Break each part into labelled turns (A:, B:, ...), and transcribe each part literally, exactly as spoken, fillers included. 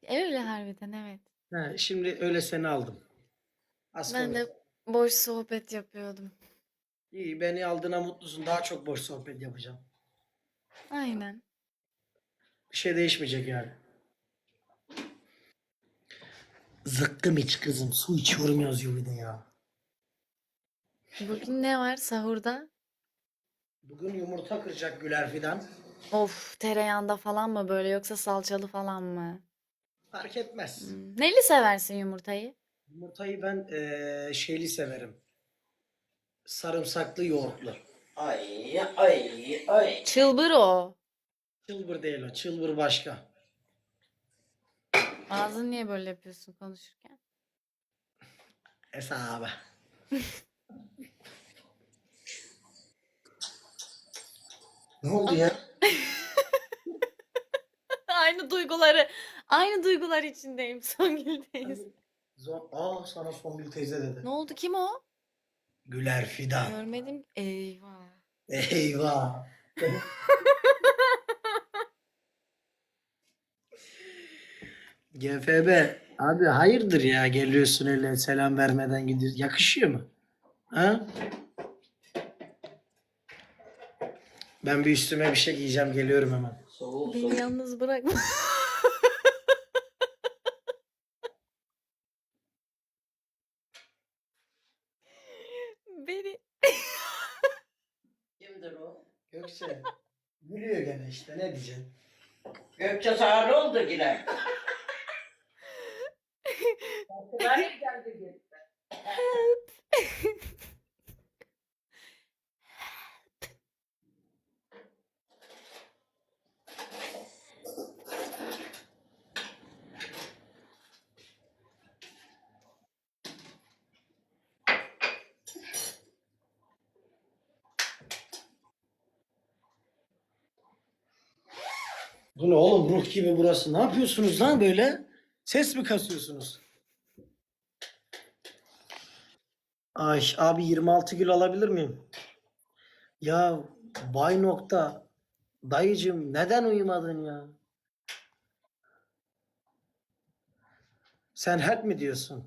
A: Öyle harbiden evet.
B: Ha, şimdi öyle seni aldım. Az
A: Ben
B: konuş.
A: de boş sohbet yapıyordum.
B: İyi, beni aldığına mutlusun. Daha çok boş sohbet yapacağım.
A: Aynen.
B: Bir şey değişmeyecek yani. Zıkkım iç kızım. Su içiyorum yazıyor bir de ya.
A: Bugün ne var sahurda?
B: Bugün yumurta kıracak Güler Fidan.
A: Of, tereyağında falan mı böyle yoksa salçalı falan mı?
B: Fark etmez.
A: Hmm. Neli seversin yumurtayı?
B: Yumurtayı ben eee, şeyli severim. Sarımsaklı yoğurtlu.
C: Ay ay ay.
A: Çılbır o.
B: Çılbır değil o. Çılbır başka.
A: Ağzını niye böyle yapıyorsun konuşurken?
B: Hesabı. Ne oldu ya?
A: Aynı duyguları, aynı duygular içindeyim. Songül'deyiz.
B: Zor. Aa, sana Songül teyze dedi.
A: Ne oldu? Kim o?
B: Güler Fidan.
A: Görmedim. Eyvah.
B: Eyvah. G F B. Abi hayırdır ya, geliyorsun öyle selam vermeden gidiyorsun. Yakışıyor mu? Ha? Ben bir üstüme bir şey giyeceğim, geliyorum hemen.
C: Soğuk
A: Beni
C: soğuk.
A: yalnız bırakma. Beni.
C: Kimdir o?
B: Gökçe. Gülüyor gene işte, ne diyeceksin?
C: Gökçe sana ne oldu yine? Garip geldi gitti.
B: Bu ne oğlum, ruh gibi burası. Ne yapıyorsunuz lan böyle? Ses mi kasıyorsunuz? Ay abi, yirmi altı gül alabilir miyim? Ya Bay Nokta. Dayıcım, neden uyumadın ya? Sen help mi diyorsun?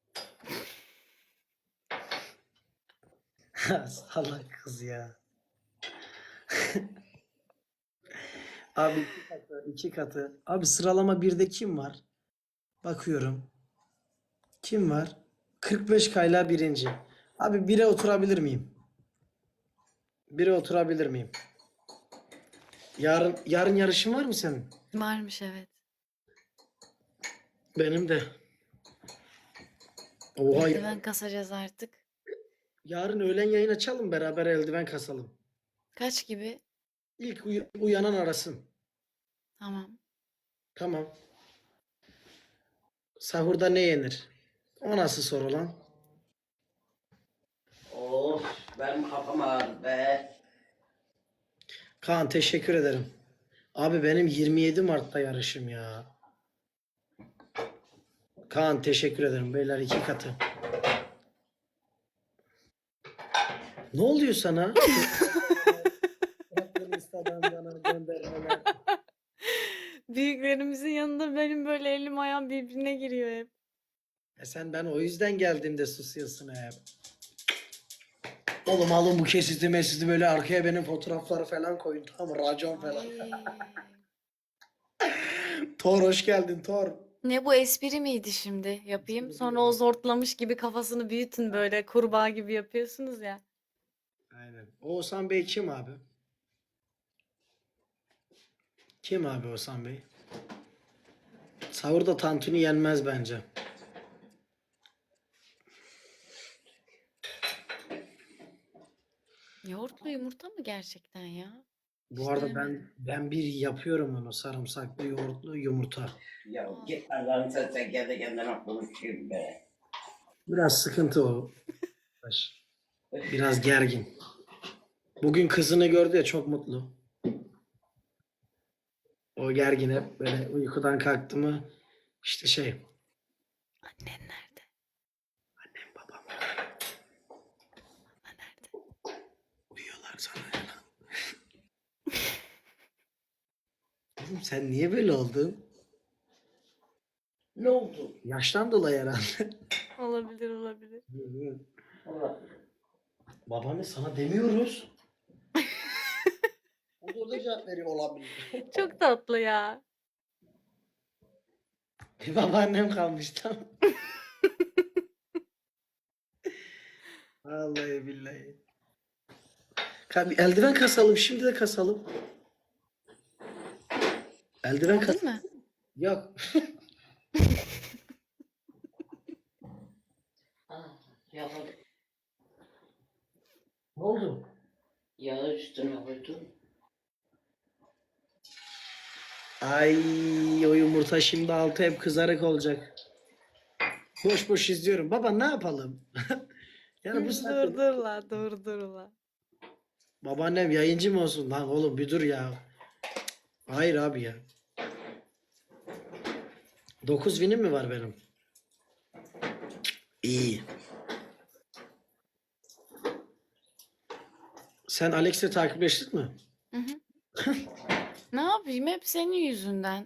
B: Salak kız ya. Abi iki katı, iki katı. Abi sıralama birde kim var? Bakıyorum. Kim var? kırk beş kayla birinci. Abi bire oturabilir miyim? Bire oturabilir miyim? Yarın yarın yarışın var mı senin?
A: Varmış evet.
B: Benim de. Oha ya.
A: Eldiven kasacağız artık.
B: Yarın öğlen yayın açalım, beraber eldiven kasalım.
A: Kaç gibi?
B: İlk uy- uyanan arasın.
A: Tamam.
B: Tamam. Sahurda ne yenir? O nasıl soru lan?
C: Of benim kafam ağrıdı be.
B: Kaan, teşekkür ederim. Abi benim yirmi yedi Mart'ta yarışım ya. Kaan, teşekkür ederim. Beyler iki katı. Ne oluyor sana? Bıraktın Instagram'dan bana göndermeler.
A: Büyüklerimizin yanında benim böyle elim ayağım birbirine giriyor hep.
B: E sen, ben o yüzden geldiğimde susuyorsun hep. Oğlum alın bu kesiti mesiti, böyle arkaya benim fotoğrafları falan koyun, tamam mı? Racon falan.
A: Ay.
B: Thor, hoş geldin Thor.
A: Ne bu espri miydi şimdi? Yapayım. Sonra o zortlamış gibi kafasını büyütün böyle kurbağa gibi yapıyorsunuz ya.
B: Aynen. Oğuzhan Bey kim abi? Kim abi Oğuzhan Bey? Sahurda tantuni yenmez bence.
A: Yoğurtlu yumurta mı gerçekten ya?
B: Bu
A: Hiç
B: arada
A: denemedim.
B: ben ben bir yapıyorum onu, sarımsaklı yoğurtlu yumurta.
C: Ya
A: Aa.
C: git Allah'ın sen kendi kendine konuşayım be.
B: Biraz sıkıntı o. Biraz gergin. Bugün kızını gördü ya, çok mutlu. O gergin, hep böyle uykudan kalktı mı işte şey.
A: Annen nerede?
B: Annem babam
A: Baba nerede?
B: uyuyorlar sana ya. Oğlum sen niye böyle oldun?
C: Ne oldu?
B: Yaştan dolayı herhalde.
A: Olabilir olabilir.
C: Olabilir.
B: Babaanne sana demiyoruz. O da orada cevap veriyor olabilir.
A: Çok tatlı ya.
B: Bir babaannem kalmış tam. Vallahi billahi. Ka- bir eldiven kasalım. Şimdi de kasalım. Eldiven kas.
A: Geldin mi?
B: Yok.
C: Ah, yağı,
B: Ne oldu?
C: yağı üstüne koydum.
B: Ay o yumurta şimdi altı hep kızarık olacak. Boş boş izliyorum. Baba ne yapalım? Yani bu saatte
A: Dur dur la dur dur la.
B: babaannem yayıncı mı olsun? Lan oğlum bir dur ya. Hayır abi ya. Dokuz vinim mi var benim? İyi. Sen Alex'le takipleştin mi?
A: Hı hı. Ne yapayım hep senin yüzünden.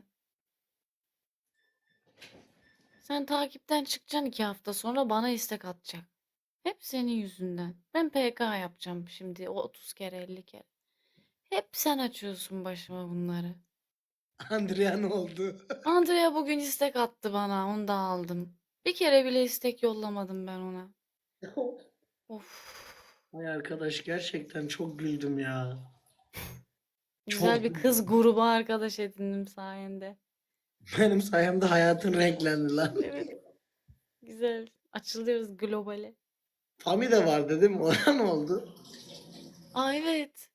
A: Sen takipten çıkacaksın iki hafta sonra bana istek atacak. Hep senin yüzünden. Ben P K yapacağım şimdi o otuz kere elli kere. Hep sen açıyorsun başıma bunları.
B: Andrea ne oldu?
A: Andrea bugün istek attı bana onu da aldım. Bir kere bile istek yollamadım ben ona. Of.
B: Ay arkadaş gerçekten çok güldüm ya.
A: Güzel
B: Çok
A: bir kız grubu arkadaş edindim sayende.
B: benim sayemde hayatın renklendi lan.
A: Evet. Güzel. Açılıyoruz globale.
B: Fami de var dedim. Ona ne oldu?
A: Aa evet.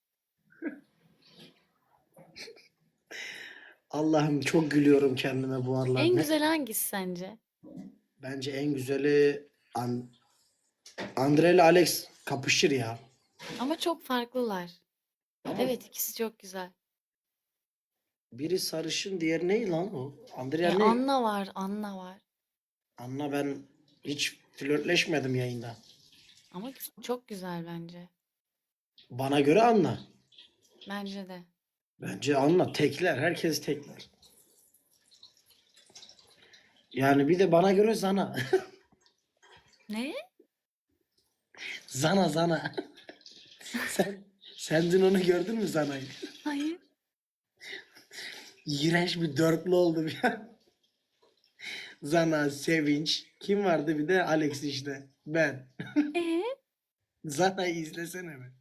B: Allah'ım çok gülüyorum kendime bu aralar.
A: En
B: Ne?
A: güzel hangisi sence?
B: Bence en güzeli An Andre ile Alex kapışır ya.
A: Ama çok farklılar.
B: Ama
A: Evet ikisi çok güzel.
B: biri sarışın, diğeri ne lan o? Andrea
A: E
B: ne?
A: Anna var, Anna var.
B: Anla ben hiç flörtleşmedim yayında.
A: Ama gü- çok güzel bence.
B: Bana göre Anla.
A: Bence de.
B: Bence Anla tekler. Herkes tekler. Yani bir de bana göre Zana.
A: Ne?
B: Zana Zana. Sen sen dün onu gördün mü Zana'yı?
A: Hayır.
B: İğrenç bir dörtlü oldu bir an. Zana, Sevinç. Kim vardı bir de Alex işte. Ben.
A: Ee?
B: Zana'yı izlesene be.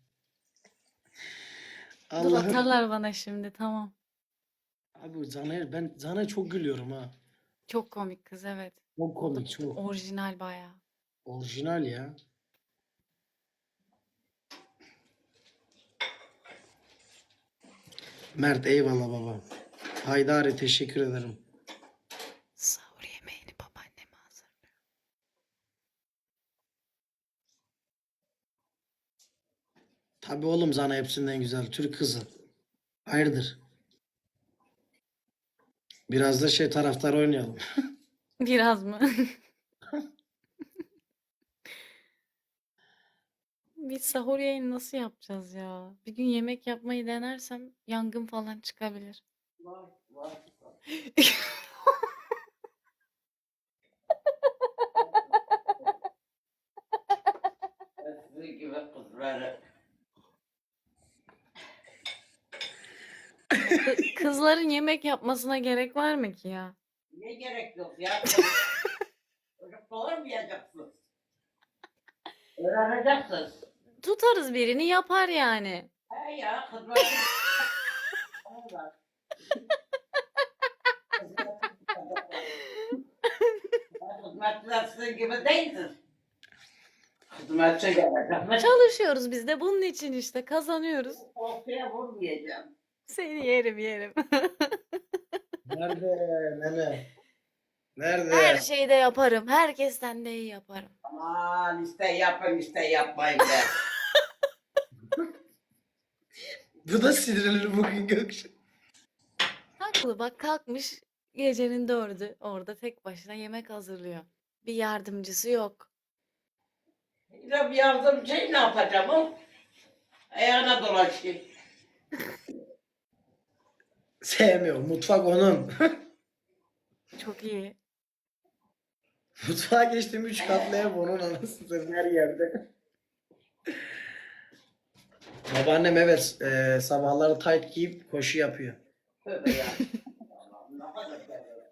A: Dur
B: Allah'ım.
A: atarlar bana şimdi tamam.
B: Abi Zana'ya ben Zana'ya çok gülüyorum ha.
A: Çok komik kız evet.
B: Çok komik çok.
A: Orijinal bayağı.
B: Orijinal ya. Mert eyvallah baba. Haydari teşekkür ederim.
A: Sahur yemeğini babaanneme hazırlıyor.
B: Tabii oğlum Zana hepsinden güzel. Türk kızı. Hayırdır? Biraz da şey taraftar oynayalım.
A: Biraz mı? Biz sahur yayını nasıl yapacağız ya? Bir gün yemek yapmayı denersem yangın falan çıkabilir.
C: Var, var. Sizin gibi kızları.
A: Kı- Kızların yemek yapmasına gerek var mı ki ya?
C: Ne gerek yok ya? Çocuk doğurmayacaksınız. Öğreneceksiniz.
A: Tutarız birini yapar yani.
C: He ya kızlar. Allah. Hizmetçiler sizin gibi değilsiniz. Hizmetçi gelecek.
A: Çalışıyoruz biz de bunun için işte kazanıyoruz.
C: Ortaya vurmayacağım.
A: Seni yerim yerim.
B: Nerede nene?
A: Her
B: Nerede?
A: şeyi de yaparım. Herkesten de iyi yaparım.
C: Aman iste yapın iste yapmayın be.
B: Bu da sinirli bugün Gökçe.
A: Haklı bak kalkmış gecenin dördü orada tek başına yemek hazırlıyor. Bir yardımcısı yok.
C: Ya bir yardımcı ne yapacağım o? Ayağına dolaşayım.
B: Sevmiyor. Mutfak onun.
A: Çok iyi.
B: Mutfağa geçtim üç katlı ev onun anasını her yerde. Babaannem evet e, sabahları tayt giyip koşu yapıyor.
C: Tövbe ya. Allah'ım, ne kadar güzel.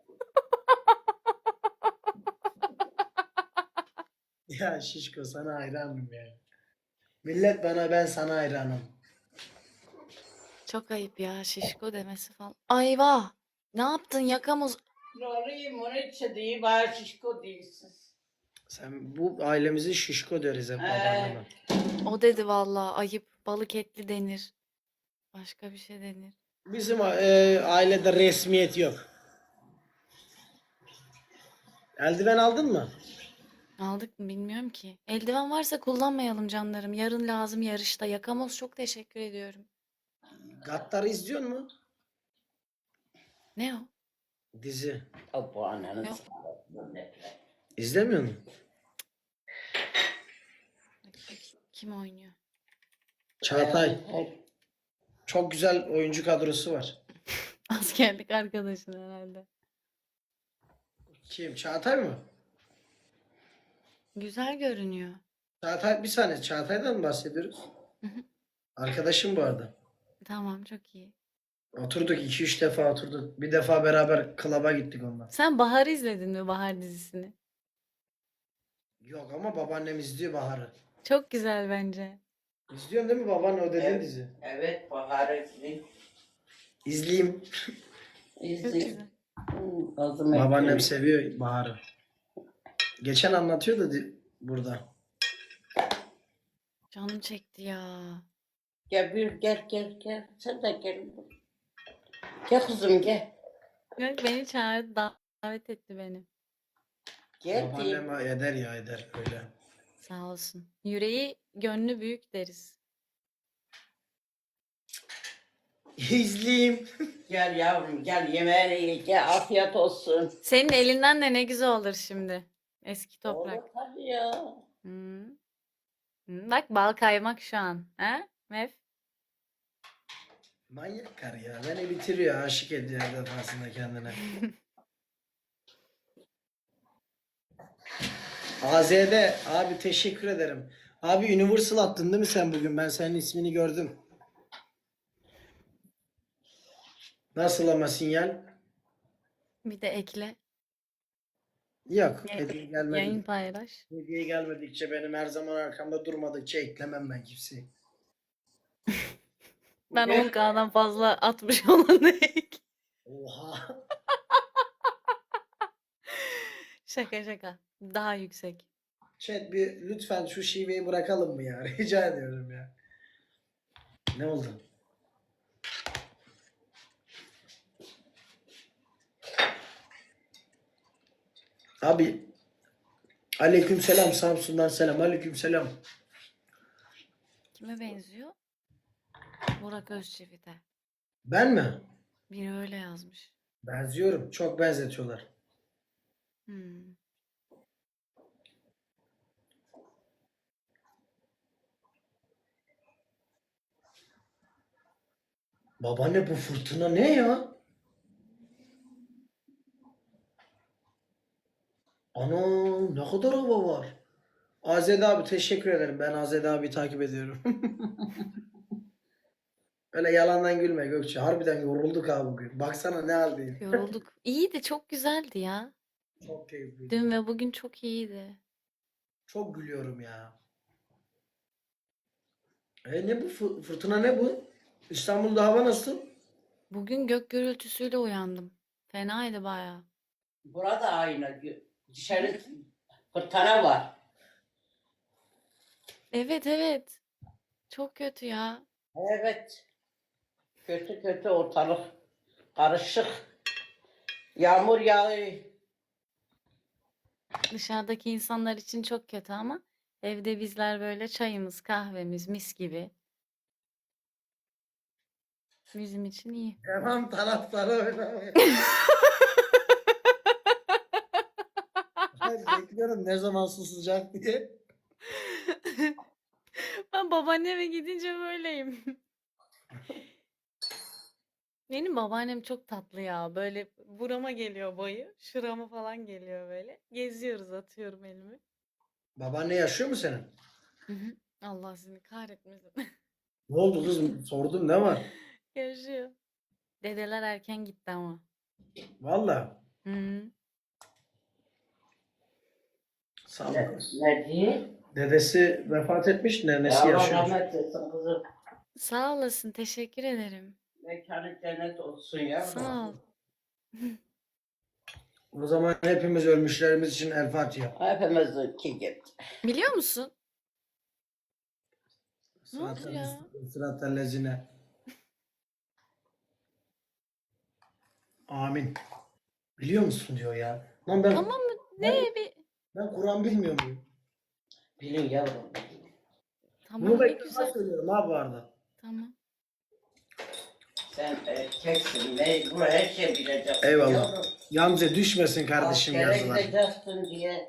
B: Ya Şişko sana hayranım ya. Millet bana ben sana hayranım.
A: Çok ayıp ya şişko demesi falan. Ayvah! Ne yaptın yakamız?
C: Lorayım onu içe değil, bana şişko değilsiz.
B: Sen bu ailemizi Şişko deriz hep
C: Ee.
B: babaanneme.
A: O dedi vallahi ayıp. Balık etli denir. Başka bir şey denir.
B: Bizim e, ailede resmiyet yok. Eldiven aldın mı?
A: Aldık mı bilmiyorum ki. Eldiven varsa kullanmayalım canlarım. Yarın lazım yarışta. Yakamoz çok teşekkür ediyorum.
B: Gattar'ı izliyor mu?
A: Ne o?
B: Dizi.
C: O bu ananın
A: Yok.
C: sağlığı nefret.
B: İzlemiyor musun?
A: Bakayım kim oynuyor?
B: Çağatay.
C: Hep
B: Çok güzel oyuncu kadrosu var.
A: Askerlik arkadaşın herhalde.
B: Kim? Çağatay mı?
A: Güzel görünüyor.
B: Çağatay bir saniye. Çağatay'dan mı bahsediyoruz?
A: Hı hı.
B: Arkadaşım bu arada.
A: Tamam çok iyi.
B: Oturduk iki üç defa oturduk. Bir defa beraber klaba gittik onunla.
A: Sen Bahar'ı izledin mi Bahar dizisini?
B: Yok ama babaannem izliyor Bahar'ı.
A: Çok güzel bence.
B: İzliyorsun değil mi babaanne o dediğin
C: Evet.
B: dizi?
C: Evet, Bahar'ı izleyeyim.
B: İzleyeyim.
A: Çok
C: İzleyeyim.
A: güzel.
C: Hmm, Ağzım
B: Babaannem
C: ekmeğim.
B: seviyor Bahar'ı. Geçen anlatıyor da di- burada.
A: Canım çekti ya.
C: Gel bir gel gel gel. Sen de gel. Gel kızım gel.
A: Yok, beni çağırdı, davet etti beni.
C: Gel diyeyim.
B: Babaannem eder ya eder öyle.
A: Sağ olsun. Yüreği, gönlü büyük deriz.
B: İzleyeyim.
C: Gel yavrum gel yemeğini ye. Gel afiyet olsun.
A: Senin elinden de ne güzel olur şimdi. Eski toprak.
C: Olur tabii ya.
A: Hı. Hı, bak bal kaymak şu an. Ha? Mef.
B: Manyak kar ya. Beni bitiriyor. Aşık ediyor her defasında kendine. A Z D abi teşekkür ederim. Abi Universal attın değil mi sen bugün? Ben senin ismini gördüm. Nasıl ama sinyal?
A: Bir de ekle.
B: Yok.
A: Ya-
B: Hediye
A: Yayın
B: gelmedi.
A: paylaş.
B: Hediye gelmedikçe benim her zaman arkamda durmadıkça eklemem ben kimseyi.
A: Ben
C: Bugün-
A: on K'dan fazla atmış olanı ek.
B: Oha.
A: Şaka şaka. Daha yüksek.
B: Chat bir lütfen şu şiveyi bırakalım mı ya? Rica ediyorum ya. Ne oldu? Abi aleykümselam Samsun'dan selam. Aleykümselam.
A: Kime benziyor? Burak Özçivit'e.
B: Ben mi?
A: Biri öyle yazmış.
B: Benziyorum. Çok benzetiyorlar.
A: Hmm.
B: Babaanne bu fırtına ne ya? Ana ne kadar hava var. Azede abi teşekkür ederim. Ben Azede abi takip ediyorum. Öyle yalandan gülme Gökçe. Harbiden yorulduk abi bugün. Baksana ne haldeyim.
A: Yorulduk. İyiydi, çok güzeldi ya.
B: Çok keyifliydi.
A: Dün ve bugün çok iyiydi.
B: Çok gülüyorum ya. E ne bu fı- fırtına ne bu? İstanbul'da hava nasıl?
A: Bugün gök gürültüsüyle uyandım. Fenaydı bayağı.
C: Burada aynı. Dışarı fırtına var.
A: Evet evet. Çok kötü ya.
C: Evet. Kötü kötü ortalık. Karışık. Yağmur yağıyor.
A: Dışarıdaki insanlar için çok kötü ama evde bizler böyle çayımız, kahvemiz mis gibi. Bizim için iyi.
B: Devam taraftarı oynamaya. Ben bekliyorum ne zaman susacak diye.
A: Ben babaanneme gidince böyleyim. Benim babaannem çok tatlı ya. Böyle burama geliyor boyu. Şurama falan geliyor böyle. Geziyoruz, atıyorum elimi.
B: Babaanne yaşıyor mu senin?
A: Hı hı. Allah seni kahretmesin.
B: Ne oldu kızım? Sordum ne var?
A: Yaşıyor. Dedeler erken gitti ama.
B: Valla.
A: Hı hı.
B: Sağ ol
C: Ne,
B: kız.
C: ne diye?
B: Dedesi vefat etmiş,
C: Ya
B: nenesi
C: Allah
B: yaşıyor.
C: rahmet etsin kızım.
A: Sağ olasın, teşekkür ederim.
C: Mekanı cennet olsun ya.
A: Sağ ol.
B: O zaman hepimiz ölmüşlerimiz için El Fatiha.
C: Hepimizinki gibi.
A: Biliyor musun? Ne oldu
B: Sıratel
A: ya?
B: müstakim, sıratel lezine. Amin. Biliyor musun diyor ya. Lan ben,
A: Tamam mı?
B: ben,
A: Ne bir...
B: ben Kur'an bilmiyor muyum?
C: Bilin yavrum.
B: Bunu
A: Tamam,
B: da
A: ne
B: ilk defa
A: güzel.
B: söylüyorum ha bu arada.
A: Tamam.
C: Sen erkeksin. Mecbur her şey bileceksin.
B: Eyvallah.
C: Yavrum.
B: Yalnızca düşmesin kardeşim
C: Askere
B: yazılar.
C: gideceksin diye.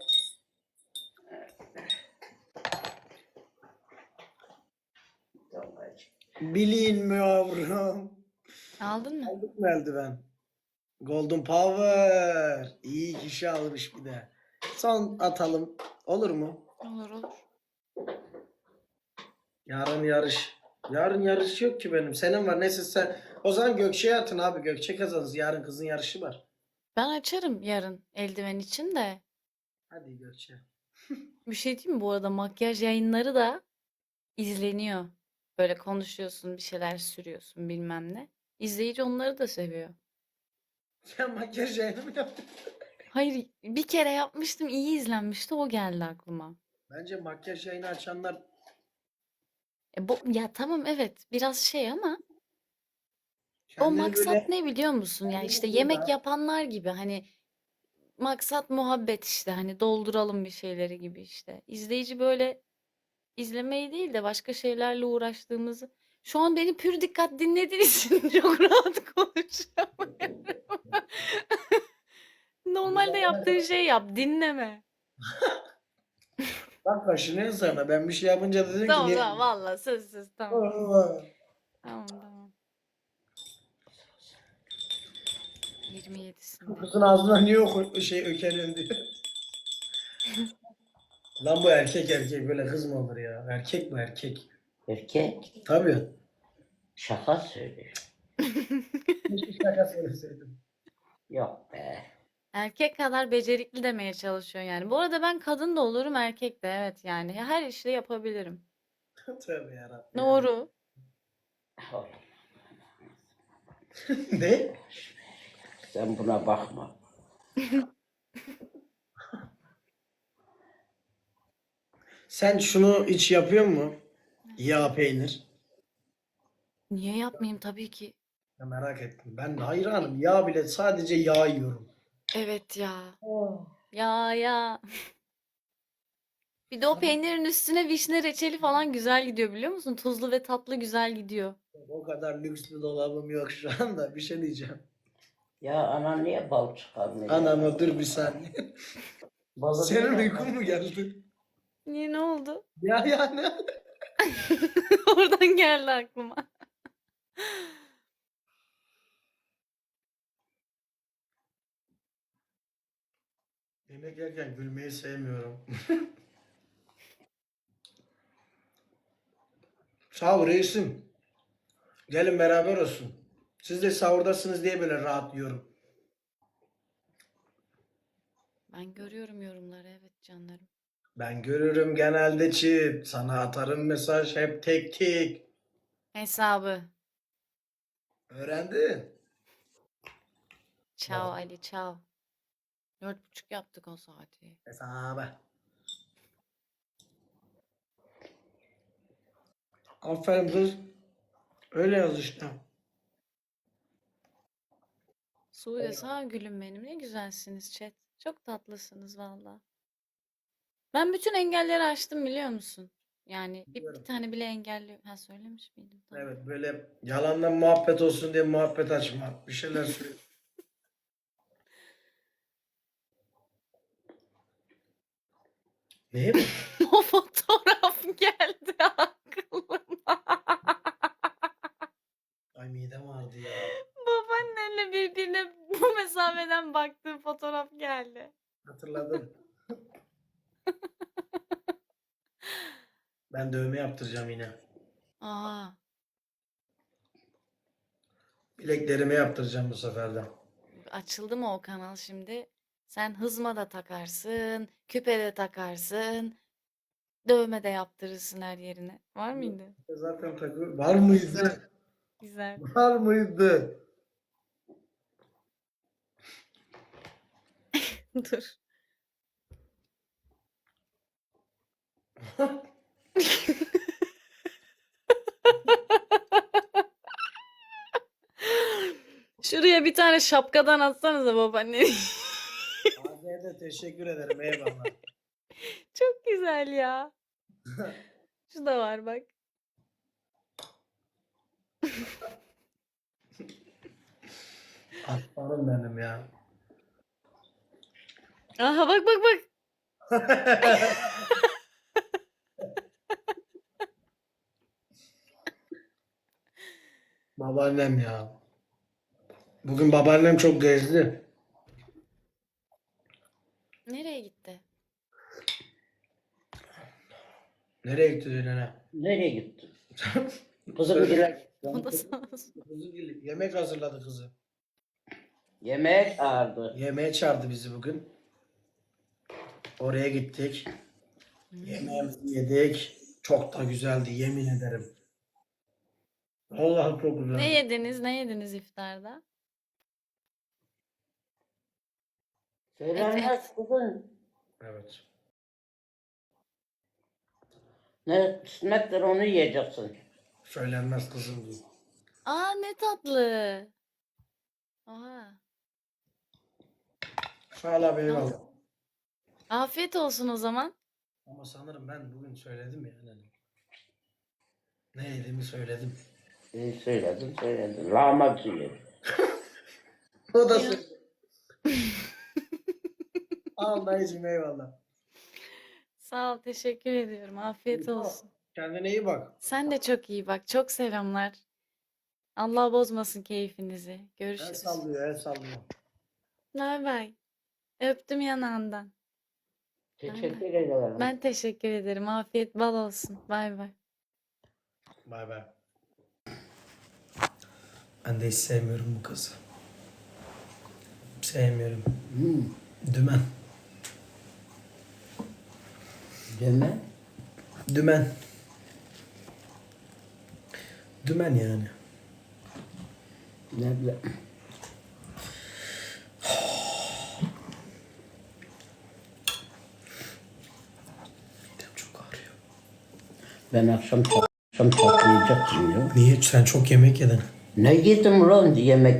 B: Bilin mi yavrum?
A: Aldın mı?
B: Aldık mı eldiven? Golden Power. İyi kişi almış bir de. Son atalım. Olur mu?
A: Olur olur.
B: Yarın yarış. Yarın yarış yok ki benim. Senin var. Neyse sen. O zaman Gökçe'ye atın abi. Gökçe kazanız. Yarın kızın yarışı var.
A: Ben açarım yarın eldiven için de.
B: Hadi Gökçe.
A: Bir şey diyeyim mi? Bu arada makyaj yayınları da izleniyor. Böyle konuşuyorsun, bir şeyler sürüyorsun bilmem ne. İzleyici onları da seviyor.
B: Sen makyaj yayını mı yaptın?
A: Hayır, bir kere yapmıştım, iyi izlenmişti, o geldi aklıma.
B: Bence makyaj yayını açanlar
A: E, bu, ya tamam evet biraz şey ama o
B: kendini
A: maksat
B: böyle
A: ne biliyor musun? Ya
B: kendini
A: işte yemek
B: burada
A: yapanlar gibi hani maksat muhabbet işte hani dolduralım bir şeyleri gibi işte. İzleyici böyle izlemeyi değil de başka şeylerle uğraştığımızı. Şu an beni pür dikkat dinlediğiniz için çok rahat konuşuyorum.
B: bu
A: Normalde
B: zamana
A: yaptığın
B: kadar
A: şey yap, dinleme.
B: bak kaşınıyor sana. Ben bir şey yapınca da dedim ki
A: Tamam
B: niye?
A: tamam valla söz söz tamam.
B: Allah.
A: Tamam tamam. yirmi
B: Bu
A: yedisinde.
B: kızın ağzına niye oku şey ökeriyorsun diyor. Lan bu erkek erkek böyle kız mı olur ya? Erkek mi erkek?
C: Erkek
B: Tabii.
C: şaka söylüyor.
B: Keşke şaka söyleseydim.
C: Yok be.
A: Erkek kadar becerikli demeye çalışıyor yani. Bu arada ben kadın da olurum erkek de evet yani. Her işi yapabilirim.
B: Tövbe yarabbim.
A: Doğru.
C: Oğlum,
B: Ne?
C: sen buna bakma.
B: Sen şunu hiç yapıyor mu? Yağ peynir.
A: Niye yapmayayım tabii ki.
B: Ya merak ettim. Ben de hayranım. Yağ bile sadece yağ yiyorum.
A: Evet ya. Ya ya. Bir de o peynirin üstüne vişne reçeli falan güzel gidiyor biliyor musun? Tuzlu ve tatlı güzel gidiyor.
B: O kadar lüks bir dolabım yok şu anda. Bir şey diyeceğim.
C: Ya anan niye bal çıkarmıyor?
B: Anama dur bir saniye.
C: Balı
B: Senin
C: niye
B: uykun mu geldi?
A: Niye ne oldu?
B: Ya yani.
A: Oradan geldi aklıma.
B: Yemek yerken gülmeyi sevmiyorum. Sağ ol reisim. Gelin beraber olsun. Siz de sahurdasınız diye böyle rahat yiyorum.
A: Ben görüyorum yorumları evet canlarım.
B: Ben görürüm genelde çift. Sana atarım mesaj hep tek tek.
A: Hesabı.
B: Öğrendin.
A: Ciao Ali ciao. Dört buçuk yaptık o saati.
B: Hesabı. Aferin kız. Öyle yaz işte.
A: Sude sağ ol gülüm benim. Ne güzelsiniz chat. Çok tatlısınız valla. Ben bütün engelleri aştım biliyor musun? Yani bir, bir
B: Biliyorum.
A: tane bile engelli... Ha söylemiş miydim? Tamam.
B: Evet böyle yalandan muhabbet olsun diye muhabbet açma. Bir şeyler söyle. Ne?
A: O fotoğraf geldi aklıma.
B: Ay midem ağrıdı ya.
A: Bu
B: Hatırladım. Ben dövme yaptıracağım yine.
A: Aa,
B: Bileklerime yaptıracağım bu sefer de.
A: açıldı mı o kanal şimdi? Sen hızma da takarsın, küpe de takarsın, dövme de yaptırırsın her yerine. Var mıydı?
B: Zaten takı var mıydı?
A: Güzel.
B: Var mıydı?
A: Dur. Şuraya bir tane şapkadan atsanıza babaanne.
B: Abiye de teşekkür ederim. Eyvallah.
A: Çok güzel ya. Şu da var bak.
B: Aslanım benim ya.
A: Aha bak bak bak.
B: Babaannem ya. Bugün babaannem çok gezdi.
A: Nereye gitti?
B: Nereye gitti diyor nene?
C: Nereye gitti? Kızım gel.
A: O da sağ olsun.
B: Kızı gel- yemek hazırladı kızı.
C: Yemeğe çağırdı.
B: Yemeğe çağırdı bizi bugün. Oraya gittik. Yemeğimizi yedik. Çok da güzeldi yemin ederim. Vallahi çok güzeldi.
A: Ne yediniz? Ne yediniz iftarda?
C: Söylenmez kızım.
B: Evet.
C: Ne kısmettir onu yiyeceksin.
B: Söylenmez kızım diyor.
A: Aa ne tatlı. Aha.
B: Sağ ol abi eyvallah.
A: Afiyet olsun o zaman.
B: Ama sanırım ben bugün söyledim ya. Yani. Ne yediğimi söyledim.
C: İyi söyledin söyledin. Lahmacun yedim.
B: O da söyledi. Al dayıcım eyvallah.
A: Sağ ol, teşekkür ediyorum. Afiyet olsun.
B: Kendine iyi bak.
A: Sen de çok iyi bak. Çok selamlar. Allah bozmasın keyfinizi.
B: El
A: Görüşürüz.
B: sallıyor, el sallıyor.
A: Bay bay. Öptüm yanağından.
C: Teşekkür ederim.
A: Ben teşekkür ederim. Afiyet bal olsun. Bay bay.
B: Bay bay. Ben de hiç sevmiyorum bu kızı. Sevmiyorum.
C: Hmm.
B: Dümen.
C: Deme.
B: Dümen. Dümen yani.
C: Ne bileyim.
B: Midem çok ağrıyor.
C: Ben akşam akşam tatlı yiyecektim ya.
B: Niye? Sen çok yemek yedin.
C: Ne yedim ulan yemek?